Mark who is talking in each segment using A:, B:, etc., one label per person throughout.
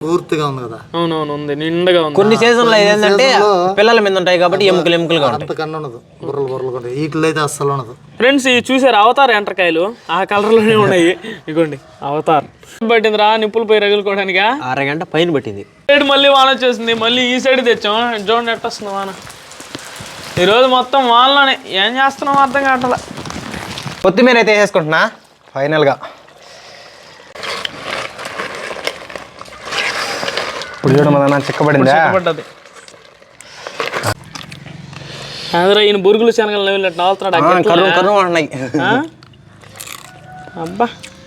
A: పూర్తిగా ఉంది కదా.
B: అవునవును ఉంది, నిండుగా ఉంది.
C: కొన్ని సీజన్లో ఏంటంటే పిల్లల మీద ఉంటాయి కాబట్టి ఎముకలుగా ఉంటాయి.
A: అంతకన్నా ఉండదు, బుర్రలు బుర్రలు ఉంటాయి. వీటిలో అయితే అస్సలు ఉండదు.
B: ఫ్రెండ్స్ ఇవి చూసారు అవతార్ ఎండ్రకాయలు, ఆ కలర్లోనే ఉన్నాయి. ఇగోండి అవతార్. పట్టింది రా నిప్పులు పోయి రగులుకోవడానికా?
C: అరగంట పైన పట్టింది.
B: సైడ్ మళ్ళీ వాన వచ్చేసింది, మళ్ళీ ఈ సైడ్ తెచ్చాం. చూడండి ఎట్ట వస్తుంది వాన. ఈరోజు మొత్తం వానలోనే. ఏం చేస్తున్నాం అర్థం కావట్లా.
C: కొత్తిమీర అయితే వేసేసుకుంటున్నా ఫైనల్గా. ఇప్పుడు చూడడం మన చిక్కబడిందా?
B: చిక్కబడ్డది. అదే ఈయన బురుగులు శనగలు నవ్వులట్టు నవ్వుతున్నాడు.
C: కర్రు ఉన్నాయి.
B: అబ్బా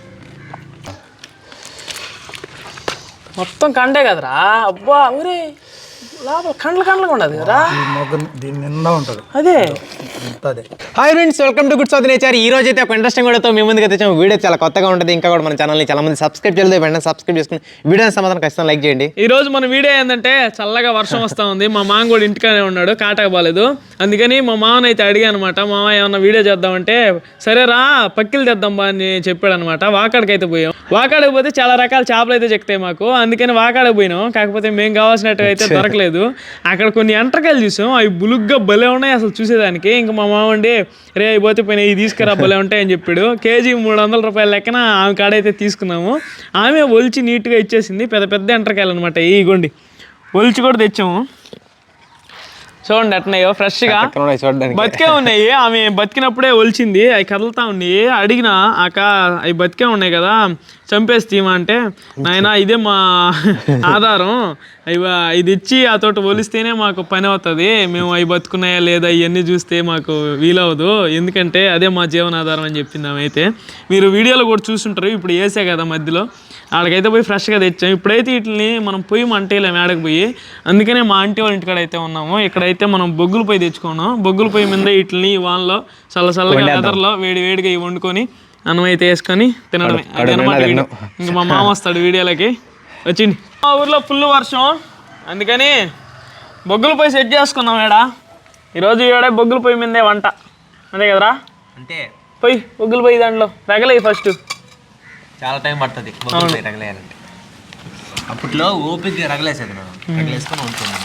B: మొత్తం కండే కదరా. అబ్బా ఊరే లోపల కండ్లుగా ఉండదు కదా.
A: దీని నిండా ఉంటుంది
B: అదే.
C: Hi friends, welcome to good south nature. ఈ రోజు అయితే ఒక ఇంట్రెస్టింగ్ వీడియోతో మీ ముందుకు తెచ్చాము. వీడియో చాలా కొత్తగా ఉంటుంది. ఇంకా కూడా మన ఛానల్ని చాలా మంది సబ్స్క్రైబ్ చేయలేదు. వెంటనే సబ్స్క్రైబ్ చేసుకుని వీడియో సమాధానం ఖచ్చితంగా లైక్ చేయండి.
B: ఈ రోజు మన వీడియో ఏంటంటే చల్లగా వర్షం వస్తూ ఉంది. మా మామ కూడా ఇంటికానే ఉన్నాడు, కాటక బాలేదు. అందుకని మా మామని అయితే అడిగా అనమాట, మామ ఏమన్నా వీడియో చేద్దామంటే సరే రా పక్కిలు తెద్దాం బా అని చెప్పాడు అనమాట. వాకాడికి అయితే పోయాం. వాకాడికి పోతే చాలా రకాల చేపలు అయితే చెక్తాయి మాకు. అందుకని వాకాడికి పోయినాం. కాకపోతే మేము కావాల్సినట్టు అయితే దొరకలేదు. అక్కడ కొన్ని ఎంట్రకాయలు చూసాం, అవి బులుగ్గా భలే ఉన్నాయి అసలు చూసేదానికి. ఇంకా మా మామ ఉండి రే అయిపోతే పోయినా ఇవి తీసుకురా భలే ఉంటాయని చెప్పాడు. కేజీ 300 రూపాయల లెక్కన ఆమె కాడైతే తీసుకున్నాము. ఆమె ఒలిచి నీట్గా ఇచ్చేసింది. పెద్ద పెద్ద ఎంట్రకాయలు అనమాట. ఇగోండి ఒలిచి కూడా తెచ్చాము. చూడండి ఎట్న్నాయో ఫ్రెష్గా బతికే ఉన్నాయి. ఆమె బతికినప్పుడే ఒలిచింది. అవి కదులుతా ఉన్నాయి. అడిగిన అక్క అవి బతికే ఉన్నాయి కదా చంపేసి తీమా అంటే, నాయన ఇదే మా ఆధారం, ఇది ఇచ్చి ఆ తోట ఒలిస్తేనే మాకు పని అవుతుంది. మేము అవి బతుకున్నాయా లేదా ఇవన్నీ చూస్తే మాకు వీలవదు, ఎందుకంటే అదే మా జీవనాధారం అని చెప్పింది ఆమె. అయితే మీరు వీడియోలో కూడా చూస్తుంటారు. ఇప్పుడు వేసే కదా మధ్యలో, ఆడకైతే పోయి ఫ్రెష్గా తెచ్చాం. ఇప్పుడైతే వీటిని మనం పొయ్యి మంటేలే మేడకు పోయి, అందుకనే మా ఆంటీ వాళ్ళ ఇంటికాడ అయితే ఉన్నాము. ఇక్కడైతే మనం బొగ్గులు పొయ్యి తెచ్చుకున్నాం. బొగ్గుల పొయ్యి మీద వీటిని వానలో చల్లగా వెదర్లో వేడిగా ఇవి వండుకొని అన్నం అయితే వేసుకొని తినడమే. అది అనమాట వీడియో. ఇంక మా మామ వస్తాడు వీడియోలకి. వచ్చింది. మా ఊర్లో ఫుల్ వర్షం, అందుకని బొగ్గుల పొయ్యి సెట్ చేసుకున్నాం. ఈరోజు ఈడ బొగ్గుల పొయ్యి మీదే వంట, అంతే కదరా? అంటే పొయ్యి బొగ్గుల పొయ్యి దాంట్లో రగలే ఫస్ట్.
C: చాలా టైం పడుతుంది రగలేయాలంటే. అప్పట్లో ఓపిక రగలేసేది, రగలేసుకొని ఉంటుంది.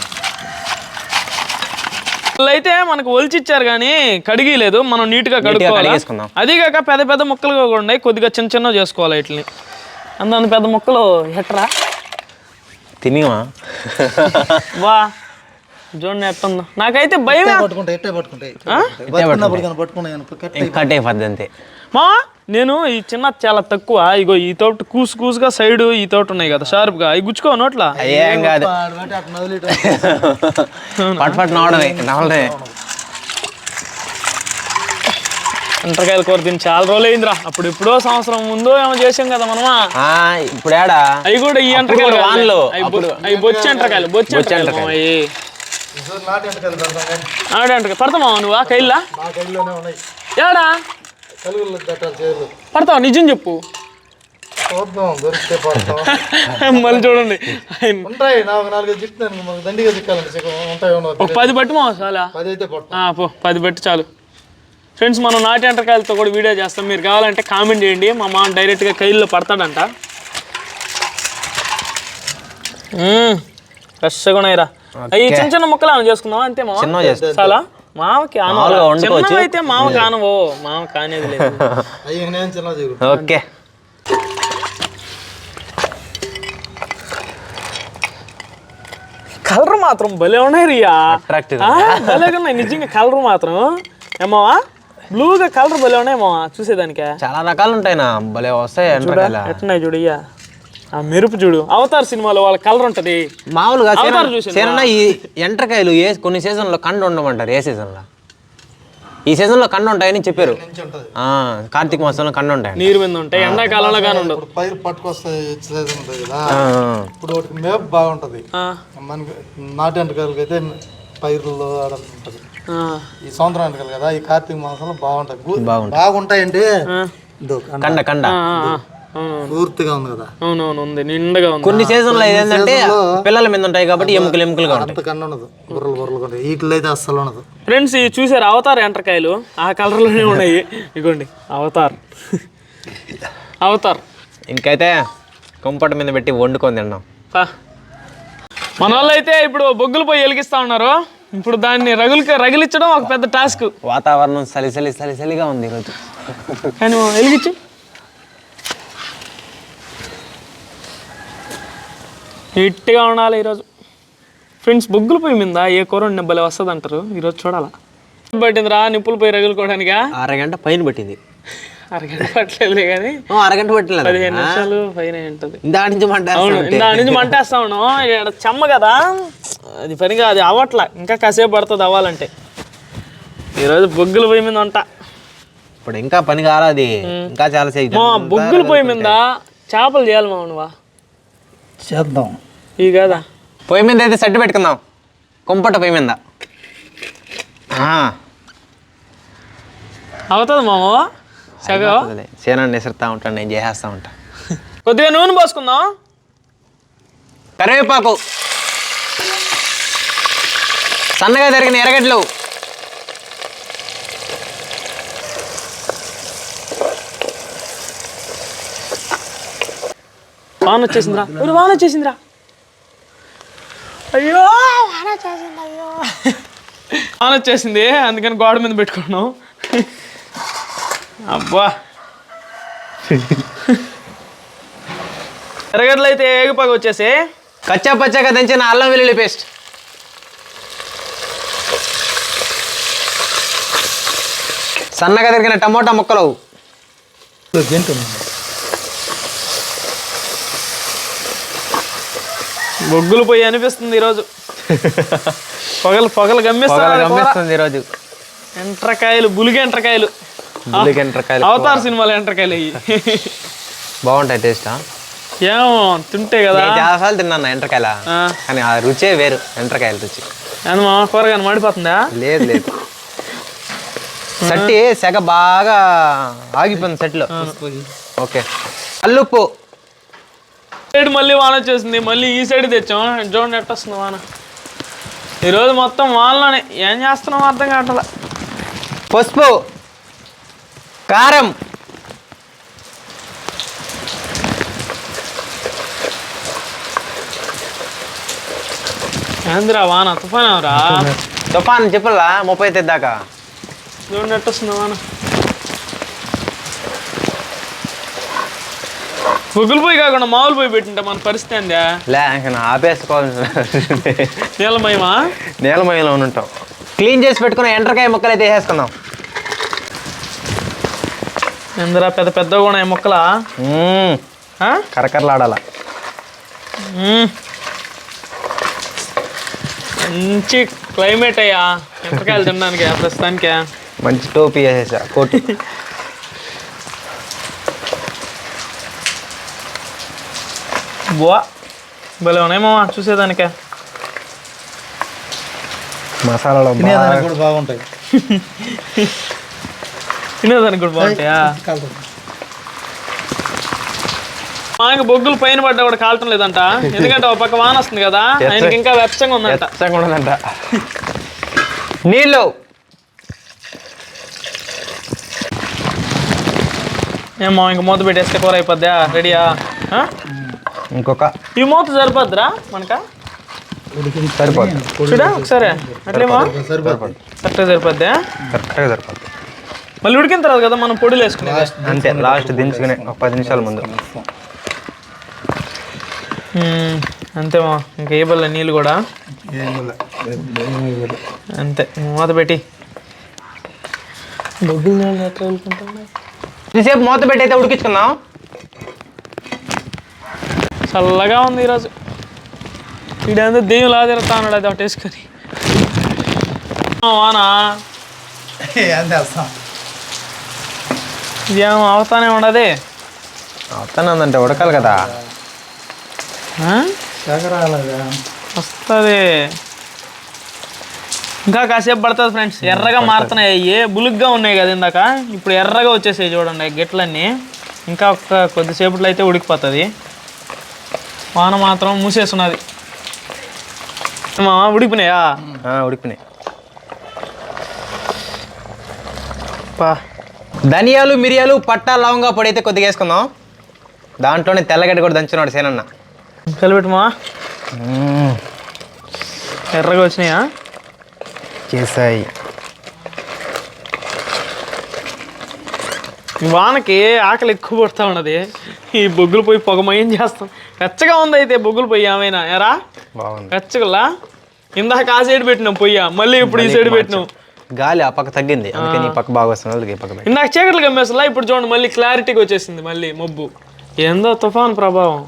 B: అయితే మనకు ఒలిచిచ్చారు కానీ కడిగిలేదు. మనం నీట్గా కడుక్కోవాలి. అది కాక పెద్ద పెద్ద ముక్కలుగా ఉన్నాయి, కొద్దిగా చిన్న చేసుకోవాలి వీటిని. అంత పెద్ద ముక్కలు ఎట్రా
C: తినివా
B: వా చూడండి ఎట్టుందో. నాకైతే భయం.
C: అంతే
B: మా నేను ఈ చిన్న చాలా తక్కువ. ఇగో ఈ తోట కూసుగా సైడ్ ఈ తోట ఉన్నాయి కదా షార్ప్గా, అవి గుచ్చుకో నోట్లా.
C: ఏం కాదు,
B: ఎండ్రకాయల కూర తిని చాలా రోజులు అయిందిరా. అప్పుడు ఎప్పుడో సంవత్సరం ముందు ఏమో చేసాం కదా మనమా.
C: ఇప్పుడు
B: అవి కూడా ఈ ఎండ్రకాయలు అవి బొచ్చి ఎండ్రకాయలు ఆడంట పడతామా నువ్వు కైల్లా? ఏడా పడతావా? నిజం చెప్పు. మళ్ళీ చూడండి 10 పట్టుమా చాలా. 10 పట్టు చాలు. ఫ్రెండ్స్ మనం నాటి ఎండ్రకాయలతో కూడా వీడియో చేస్తాం. మీరు కావాలంటే కామెంట్ చేయండి. మా మామ డైరెక్ట్గా కైల్లో పడతాడంట. ఫ్రెష్గా ఉన్నాయిరా. అవి చిన్న ముక్కలు ఏమైనా చేసుకుందాం అంతే మామ. చాలా మామకి అయితే మామ కానవో, మామ కానేది లేదు.
C: ఓకే
B: కలర్ మాత్రం భలే ఉన్నాయి రియా, భలేగా ఉన్నాయి నిజంగా. కలర్ మాత్రం ఏమావా బ్లూగా కలర్ భలే ఉన్నాయి మావా చూసేదానికే.
C: చాలా రకాలు ఉంటాయి నా భలే వస్తాయి.
B: ఎట్టున్నాయి చూడు ఇయ్యా, ఆ మెరుపు చూడు. అవతార్ సినిమాలో వాళ్ళ కలర్ ఉంటది
C: మామూలుగా. ఈ ఎండ్రకాయలు కొన్ని సీజన్లో కండు ఉండమంటారు. ఏ సీజన్లో? ఈ సీజన్లో కండు ఉంటాయని చెప్పారు. కార్తీక మాసంలో కండు ఉంటాయి,
B: నీరు మీద ఉంటాయి. ఎండాకాలంలో కానీ ఉండవు.
A: పైరు పట్టుకొస్తాయి ఇప్పుడు మేపు బాగుంటది. మనకి నాటి ఎండ్రకాయలకి అయితే పైరులో ఉంటది. ఈ సంవత్సరం ఎండ్రకాయలు కదా, ఈ కార్తీక మాసంలో బాగుంటాయండి.
C: కండ
A: పూర్తిగా ఉంది కదా.
B: అవునవును ఉంది, నిండుగా ఉంది.
C: కొన్ని సీజన్లో ఏంటంటే పిల్లల మీద ఉంటాయి కాబట్టి ఎముకలుగా ఉంటాయి.
A: అంతకన్నా ఉండదు, బుర్రలు బుర్రలు ఉంటాయి. వీటిలో అయితే అస్సలు ఉండదు.
B: ఫ్రెండ్స్ ఇవి చూసారు అవతార్ ఎండ్రకాయలు, ఆ కలర్లోనే ఉన్నాయి. ఇగోండి అవతార్.
C: ఇంకైతే కుంపటి మీద పెట్టి వండుకొని తిన్నాం.
B: మన వాళ్ళు అయితే ఇప్పుడు బొగ్గులు పోయి వెలిగిస్తా ఉన్నారు. ఇప్పుడు దాన్ని రగిలించడం ఒక పెద్ద టాస్క్.
C: వాతావరణం చలిగా ఉంది ఈరోజు.
B: కానీ వెలిగించు. నీట్గా ఉండాలి ఈరోజు ఫ్రెండ్స్. బొగ్గులు పోయి మీద ఏ కూర నెబ్బలే వస్తుంది అంటారు. ఈరోజు చూడాలా. పట్టిందిరా నిప్పులు పోయి రగులుకోవడానికా?
C: అరగంట పైన పట్టింది.
B: అరగంట పట్టలేదు కానీ
C: అరగంట పట్టలేదు,
B: 15 నిమిషాలు పైన ఉంటుంది.
C: దాని
B: నుంచి మంటేస్తా ఉన్నాం. ఇక్కడ చెమ్మ కదా, అది పనిగా అది అవ్వట్లా. ఇంకా కాసేపు పడుతుంది అవ్వాలంటే. ఈరోజు బొగ్గులు పొయ్యి మీద ఉంటా.
C: ఇప్పుడు ఇంకా పని కాలేదు, ఇంకా చాలా సేపు.
B: బొగ్గులు పొయ్యి మీద చేపలు చేయాలి మా నువ్వా?
A: చేద్దాం.
B: ఈ కదా
C: పొయ్యి మీద అయితే సెట్ పెట్టుకుందాం. కుంపట పొయ్యి మీద
B: అవుతుంది మామ. సగం
C: సేనాన్ని విసురుతా ఉంటాను, నేను చేసేస్తా ఉంటా.
B: కొద్దిగా నూనె పోసుకుందాం.
C: కరివేపాకు, సన్నగా తరిగిన ఎర్రగడ్డలు,
B: వాన వచ్చేసిందిరా. వాన వచ్చేసిందిరా. అయ్యో వాన వచ్చేసింది. అయ్యో వాన వచ్చేసింది, అందుకని గోడ మీద పెట్టుకున్నాం. అబ్బా ఎర్రగడ్డలు అయితే ఏగిపాకు వచ్చేసి
C: కచ్చా పచ్చగా దంచిన అల్లం వెల్లుల్లి పేస్ట్, సన్నగా తరిగిన టమోటా ముక్కలు,
B: బొగ్గులు పోయి అనిపిస్తుంది ఈరోజు. పొగలు గమ్మిస్తుంది
C: ఈరోజు.
B: ఎంట్రకాయలు, బులిగి ఎంట్రకాయలు. అవతార్ సినిమాలో ఎంట్రకాయలు అయ్యి
C: బాగుంటాయి. టేస్టా
B: ఏమో తింటే కదా.
C: చాలాసార్లు తిన్నాను ఎంట్రకాయల, కానీ ఆ రుచే వేరు. ఎంట్రకాయల రుచి
B: మా కూరగాయలు మాడిపోతుందా?
C: లేదు లేదు, సట్టి సెగ బాగా ఆగిపోయింది సెట్లో. ఓకే, అల్లుప్పు.
B: సైడ్ మళ్ళీ వాన వచ్చేసింది. మళ్ళీ ఈ సైడ్ తెచ్చాం. చూడండి ఎట్ట వస్తుంది వాన. ఈరోజు మొత్తం వానలోనే. ఏం చేస్తున్నాం అర్థం కావట్లా.
C: పసుపు, కారం,
B: ఏందిరా వాన? తుఫాన్ ఎవరా?
C: తుఫాన్ చెప్పలా 35 దాకా.
B: చూడండి ఎట్ట వస్తుంది వాన. బొగ్గులు పోయి కాకుండా మామూలు పోయి పెట్టింటే మన పరిస్థితి ఏందా?
C: ఆపేసుకోవాల్సిన
B: నీలమయమా?
C: నీలమయంలో ఉంటాం. క్లీన్ చేసి పెట్టుకున్న ఎండ్రకాయ ముక్కలు అయితే వేసేసుకుందాం.
B: ఎందరా పెద్ద పెద్దగా ఉన్నాయి మొక్కలా?
C: కరకరలాడాల.
B: మంచి క్లైమేట్ అయ్యా ఎండ్రకాయలు తినడానికి ప్రస్తుతానికి.
C: మంచి టోపీ వేసేసా, కోటి.
B: బువా భలే ఉన్నాయి మామ చూసేదానికే.
C: మసాలాలు
A: కూడా బాగుంటాయి.
B: తినేదానికి కూడా బాగుంటాయా? మాకు బొగ్గులు పైన పడ్డా కూడా కాలటం లేదంట. ఎందుకంటే ఒక పక్క వాన వస్తుంది కదా, ఆయనకి ఇంకా వెచ్చంగా ఉందంట.
C: నీళ్ళు
B: ఏమో ఇంక మూత పెట్టేస్తే కూర అయిపోద్దా? రెడీయా?
C: ఇంకొక
B: ఈ మూత సరిపోద్దిరా మనక?
C: సరిపోద్ది.
B: చూడా ఒకసారి అట్లేమో కరెక్ట్గా సరిపోద్దా?
C: కరెక్ట్గా సరిపోద్ది.
B: మళ్ళీ ఉడికిన తర్వాత కదా మనం పొడులు వేసుకునేది.
C: అంతే, లాస్ట్ దించుకునే ఒక 10 నిమిషాల ముందు.
B: అంతేమా, ఇంకా ఏ బల్ల నీళ్ళు కూడా అంతే. మూత పెట్టి బొగ్గులు నీళ్ళు ఎట్లా వెళ్ళుకుంటున్నాయి.
C: ఇంతసేపు మూత పెట్టి అయితే ఉడికించుకుందాం.
B: చల్లగా ఉంది ఈరోజు. ఇదంతా దెయ్యం లా తిరుగుతా ఉన్నాడు అది ఒకటి వేసుకొని. వానా ఇదేమో అవుతానే ఉండదు.
C: అవుతానే ఉందంటే ఉడకాలి కదా.
B: వస్తుంది ఇంకా కాసేపు పడుతుంది ఫ్రెండ్స్. ఎర్రగా మారుతున్నాయి. అయ్యి బులుగ్గా ఉన్నాయి కదా ఇందాక, ఇప్పుడు ఎర్రగా వచ్చేసాయి చూడండి గిట్లన్నీ. ఇంకా కొద్దిసేపట్లో అయితే ఉడికిపోతుంది. వాన మాత్రం మూసేస్తున్నది. ఉడికిపోయినాయా?
C: ఉడికినాయి. ధనియాలు, మిరియాలు, పట్టా, లవంగా పొడి అయితే కొద్దిగా వేసుకుందాం. దాంట్లోనే తెల్లగడ్డ కూడా దంచున్నాడు సేనన్న.
B: కలిపెట్టమా ఎర్రగా వచ్చినాయా
C: చేసాయి.
B: వానకి ఆకలి ఎక్కువ పడుతూ ఉన్నది. ఈ బొగ్గులు పోయి పొగమయం చేస్తాం. వెచ్చగా ఉంది అయితే బొగ్గులు పొయ్యి ఏమైనా ఎరా
C: బాగుంది.
B: వెచ్చగలా ఇందాక ఆ సైడ్ పెట్టినాం పొయ్య, మళ్ళీ ఇప్పుడు ఈ సైడ్ పెట్టినాం.
C: గాలి ఆ పక్క తగ్గింది, అందుకని ఈ పక్క బాగా వస్తుంది. ఈ పక్క
B: ఇందాక చీకట్లు కమ్మేసలా, ఇప్పుడు చూడండి మళ్ళీ క్లారిటీగా వచ్చేసింది. మళ్ళీ మబ్బు ఏందో తుఫాన్ ప్రభావం.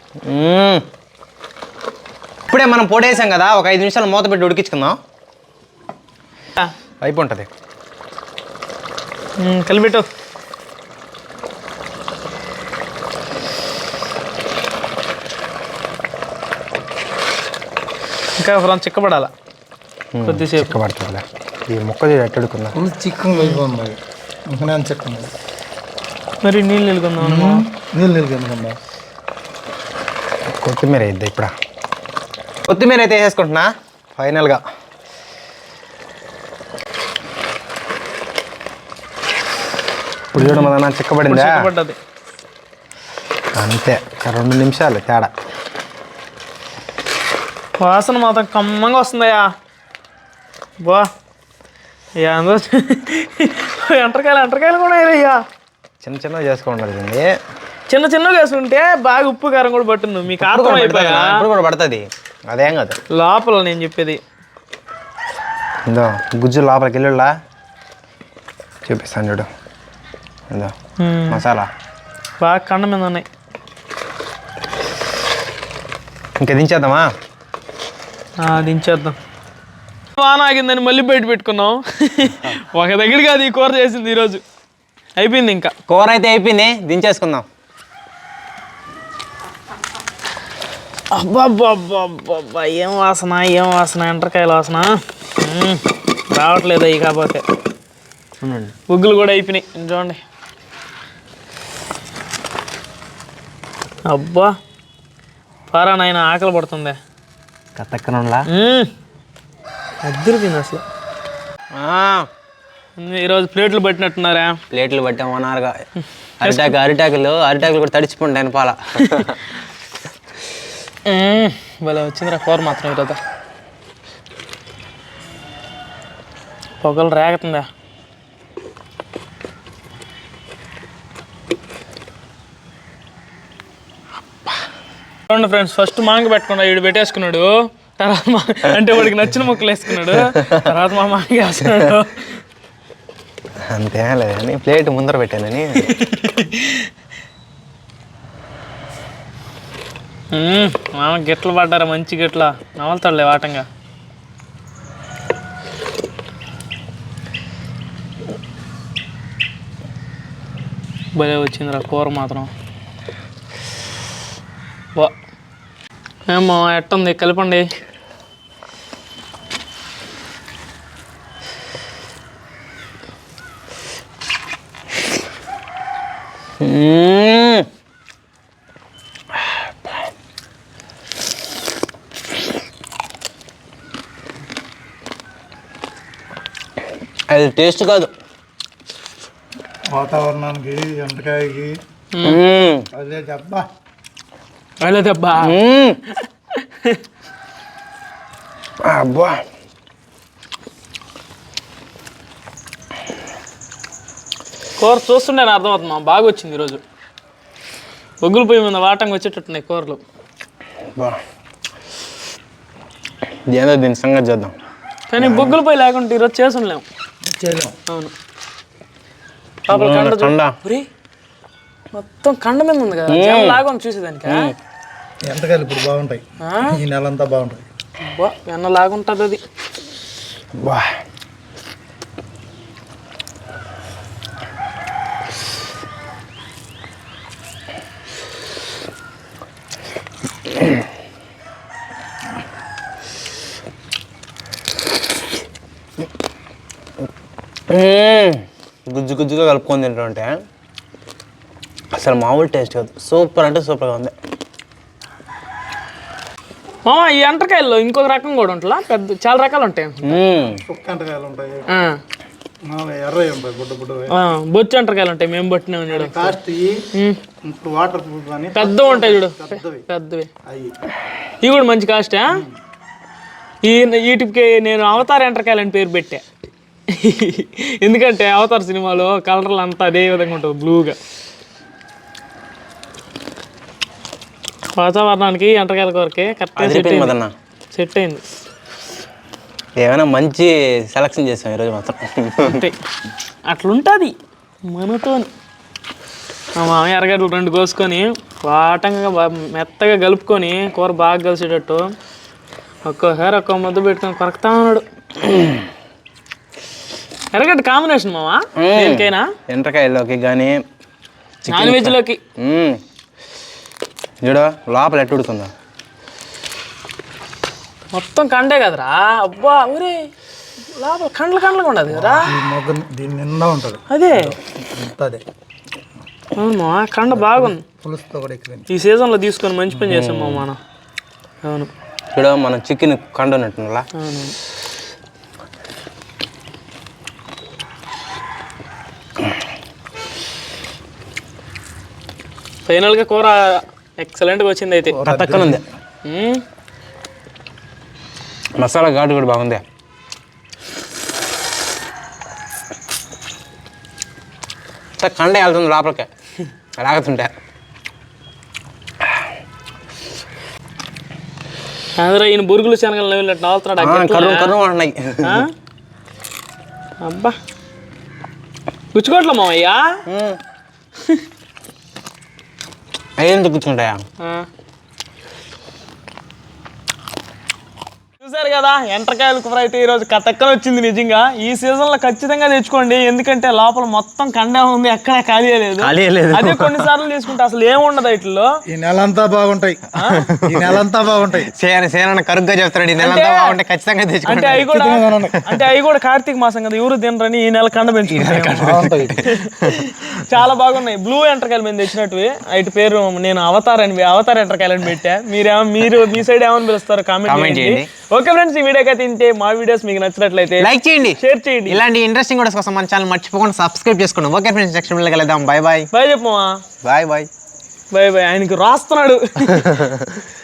C: ఇప్పుడే మనం పొడేసాం కదా, ఒక 5 నిమిషాలు మూత పెట్టి ఉడికించుకుందాం, అయిపోతుంది.
B: కలిపెట్టు. ఇంకా ఫ్రం చిక్కబడాల కొద్దిసేపు.
C: చిక్కబడుతుంది. ఈ మొక్క ఎట్టడుకుందా
A: చిక్కగా అయిపోయింది. ఇంకా నేను చిక్కగా
B: మరి నీళ్ళు నిలుకుందాం.
A: నీళ్ళు నిలుకుందా.
C: కొత్తిమీర అయిద్ది. ఇప్పుడు కొత్తిమీర అయితే వేసేసుకుంటున్నా ఫైనల్గా. ఇప్పుడు చూడ మన చిక్కబడిందా,
B: చిక్కబడ్డది
C: అంతే. 2 నిమిషాలు తేడా.
B: వాసన మాత్రం కమ్మంగా వస్తుందయ్యా. బా ఏందో ఎంటరకాయలు కూడా అయ్యా.
C: చిన్న చిన్నగా చేసుకోండి.
B: చిన్న చిన్నగా వేసుకుంటే బాగా ఉప్పు కారం కూడా పట్టుంది. మీకు అర్థం అయిపోయా.
C: ఇప్పుడు కూడా పడుతుంది, అదేం కాదు.
B: లోపల నేను చెప్పేది
C: ఇందో గుజ్జు లోపలికి వెళ్ళులా చూపిస్తాను చూడు. ఇందో మసాలా
B: బాగా కండ మీద ఉన్నాయి.
C: ఇంకా దించేద్దామా?
B: దించేద్దాం. వాన ఆగిందని మళ్ళీ బయట పెట్టుకున్నాం. ఒక దగ్గర కాదు ఈ కూర చేసింది ఈరోజు. అయిపోయింది, ఇంకా
C: కూర అయితే అయిపోయింది, దించేసుకుందాం.
B: అబ్బా ఏం వాసన ఎంటరకాయల వాసన రావట్లేదు. అవి కాకపోతే బొగ్గులు కూడా అయిపోయినాయి చూడండి. అబ్బా పారా నాయన ఆకలి పడుతుంది.
C: కత్తక్కనంలా
B: అద్దరిపోయింది అసలు. ఈరోజు ప్లేట్లు పట్టినట్టున్నారా?
C: ప్లేట్లు పట్టాం ఓనారుగా. అరిటాకులు కూడా తడిచిపోండి ఆయన పాల.
B: భలే వచ్చిందిరా కూర మాత్రం ఈరోజు. పొగలు రేగుతుందా. చూడండి ఫ్రెండ్స్, ఫస్ట్ మాంగ పెట్టుకున్నాడు, వీడు పెట్టేసుకున్నాడు. తర్వాత అంటే వాడికి నచ్చిన ముక్కలు వేసుకున్నాడు. తర్వాత మా మాంగ వేసుకున్నాడు.
C: అంతే లేదని ప్లేట్ ముందర పెట్టానని.
B: మామ గిట్లు పడ్డారా, మంచి గిట్ల నవలుతాడులే వాటంగా. భలే వచ్చిందిరా కూర మాత్రం. వా ఏమో ఎట్టుంది, కలపండి.
C: అది టేస్ట్ కాదు,
A: వాతావరణానికి ఎంటకాయకి అదే దెబ్బా.
B: అదే దెబ్బా.
C: అబ్బా
B: కూర చూస్తుంటే నాకు అర్థమవుతుంది. బాగా వచ్చింది ఈరోజు. బొగ్గులు పొయ్యి మీద వాటంగా వచ్చేటట్టున్నాయి కూరలు.
C: ఏదో దీని సంగతి చేద్దాం.
B: కానీ బొగ్గులు పొయ్యి లేకుంటే ఈరోజు చేసి ఉండలేము. అవును, కండ మొత్తం కండ మీద ఉంది కదా, లాగా చూసేదానికి.
A: ఎంటకాయలు ఇప్పుడు బాగుంటాయి, ఈ నెలంతా బాగుంటాయి.
B: వెన్న లాగుంటుంది అది.
C: గుజ్జు గుజ్జుగా కలుపుకొని తింటుంటే అసలు మామూలు టేస్ట్ కాదు, సూపర్ అంటే సూపర్గా ఉంది.
B: ఈ ఎంటకాయల్లో ఇంకొక రకం కూడా ఉంటుందా? పెద్ద చాలా రకాలు ఉంటాయి.
A: ఎంటకాయలు ఉంటాయి, ఎర్రవి ఉంటాయి బుడ్డ బుడ్డవి.
B: బొచ్చు ఎంటకాయలు ఉంటాయి మేము పట్టినాం చూడు.
A: కాస్ట్ ఇప్పుడు వాటర్ ప్రూఫ్ అని
B: పెద్దవి ఉంటాయి చూడు, పెద్దవి. ఇవి కూడా మంచి కాస్టా. వీటికి నేను అవతార్ ఎంటకాయలు అని పేరు పెట్టా. ఎందుకంటే అవతార్ సినిమాలో కలర్లు అంతా అదే విధంగా ఉంటుంది, బ్లూగా. వాతావరణానికి ఎంటకాయల కొరకే కరెక్ట్గా సెట్ అయింది.
C: ఏమైనా మంచి సెలక్షన్ చేసాం ఈరోజు మాత్రం.
B: అట్లుంటుంది మనతో. మా ఎర్రగడ్డలు 2 కోసుకొని వాటంగా మెత్తగా కలుపుకొని కూర బాగా కలిసేటట్టు ఒక్కోసారి ఒక్కో ముద్ద పెట్టుకొని కొరకుతా ఉన్నాడు. ఎర్రగడ్డ కాంబినేషన్ మావా దేనికైనా,
C: ఎండ్రకాయలోకి కానీ
B: నాన్ వెజ్లోకి.
C: చూడ లోపల ఎట్టు ఉడుతుందా,
B: మొత్తం కండే కదరా. అబ్బా ఊరే లోపల కండ్లుగా ఉండదు కదరా.
A: దీని నిండా ఉంటుంది
B: అదే.
A: అదే
B: అవును కండ బాగుంది.
A: పులుసుతో కూడా ఎక్కువ
B: ఈ సీజన్లో తీసుకొని మంచి పని చేసాం మా మనం. అవును
C: చూడ మనం చికెన్ కండ ఉన్నట్టులా.
B: అవును ఫైనల్గా కూర ఎక్సలెంట్గా వచ్చింది. అయితే
C: తక్కువ ఉంది, మసాలా ఘాటు కూడా బాగుంది. కండ వెళ్తుంది లోపలికి రాగుతుంటే.
B: అందరూ ఈయన బురుగులు శనగలు నవ్వులట్టు
C: అంటున్నాయి.
B: అబ్బా గుచ్చుకోవట్లే మావయ్యా.
C: అవి ఎందుకు కూర్చుంటాయా?
B: చూసారు కదా ఎంటకాయల కూర అయితే ఈరోజు కతక్కన వచ్చింది. నిజంగా ఈ సీజన్లో ఖచ్చితంగా తెచ్చుకోండి, ఎందుకంటే లోపల మొత్తం కండే ఉంది, ఎక్కడ ఖాళీ లేదు. అదే కొన్నిసార్లు తీసుకుంటే అసలు ఏముండదు వీటిలో.
A: ఈ నెలంతా బాగుంటాయి, ఈ నెలంతా బాగుంటాయి.
C: సేన కరుగ్గా చెప్తాడు, ఈ నెలంతా బాగుంటాయి ఖచ్చితంగా తెచ్చుకోండి.
B: అంటే అవి కూడా కార్తీక మాసం కదా, ఎవరు తినరని ఈ నెల కండ పెంచుకుంటాయి. చాలా బాగున్నాయి. బ్లూ ఎంటకాయలు మేము తెచ్చినట్టు. వాటి పేరు నేను అవతార్ ఎంటకాయలని పెట్టా. మీరు మీ సైడ్ ఏమని పిలుస్తారు కామెంట్ చేయండి. ఓకే ఫ్రెండ్స్, ఈ వీడియోకి తింటే మా వీడియోస్ మీకు నచ్చినట్లయితే లైక్ చేయండి, షేర్ చేయండి.
C: ఇలాంటి ఇంట్రెస్టింగ్ వీడియోస్ కోసం మన ఛానల్ మర్చిపోకుండా సబ్స్క్రైబ్ చేసుకోండి. ఓకే ఫ్రెండ్స్, నెక్స్ట్ వీడియోలో కలుద్దాం. Bye bye.
B: బాయ్ చెప్పమా.
C: Bye bye.
B: Bye bye. ఆయనకు రాస్తున్నాడు.